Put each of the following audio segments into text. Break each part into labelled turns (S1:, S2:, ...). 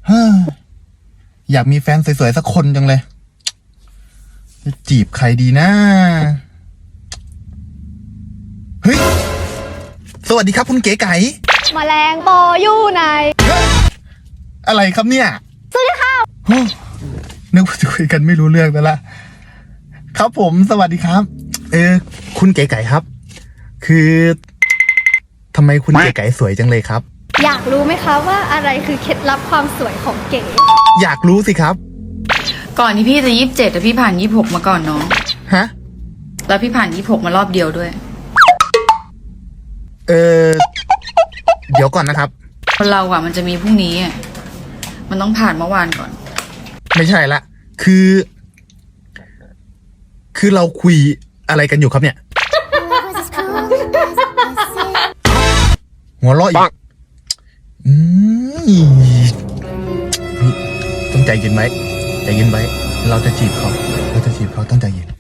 S1: อยากมีแฟนสวยๆสักคนจังเลยจะจีบใครดีนะเฮ้ยสวัสดีครับคุณเก๋ไก่
S2: แมลงปออยู่ไหน
S1: อะไรครับเนี่ย
S2: สวัสดีค่ะ
S1: นึกว่าจะคุยกันไม่รู้เรื่องแล้วล่ะครับผมสวัสดีครับคุณเก๋ไก่ครับคือทำไมคุณเก๋ไก่สวยจังเลยครับ
S2: อยากรู้ไหมคะว่าอะไรคือเคล็ดลับความสวยของเก๋
S1: อยากรู้สิครับ
S3: ก่อนที่พี่จะ27แต่พี่ผ่าน26มาก่อนน้อง
S1: ฮะ
S3: แล้วพี่ผ่าน26มารอบเดียวด้วย
S1: เดี๋ยวก่อนนะครับ
S3: คนเราอะมันจะมีพรุ่งนี้อะมันต้องผ่านเมื่อวานก่อน
S1: ไม่ใช่ละคือเราคุยอะไรกันอยู่ครับเนี่ยหัวเราะอีกต้องใจเย็นไว้ใจเย็นไว้เราจะจีบเขาต้องใจเย็น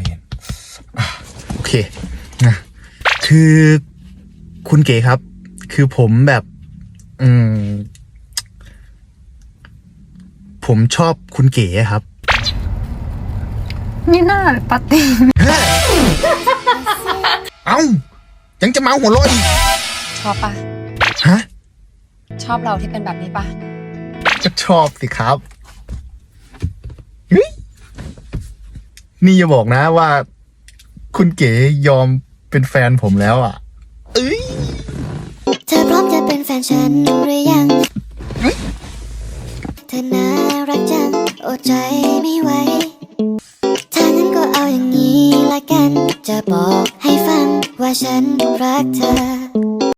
S1: โอเคนะคือคุณเก๋ครับคือผมแบบผมชอบคุณเก๋ครับ
S3: นี่น่าปาตี
S1: เอ้ายังจะมาหัวเราะอีก
S3: ชอบปะ
S1: ฮะ
S3: ชอบเราที่เป็นแบบนี้ปะ
S1: ก็ชอบสิครับนี่อย่าบอกนะว่าคุณเก๋ยอมเป็นแฟนผมแล้วอ่ะ
S4: เธอพร้อมจะเป็นแฟนฉันหรือยังเธอน่ารักจังอดใจไม่ไหวถ้างั้นก็เอาอย่างนี้ละกันจะบอกให้ฟังว่าฉันรักเธอ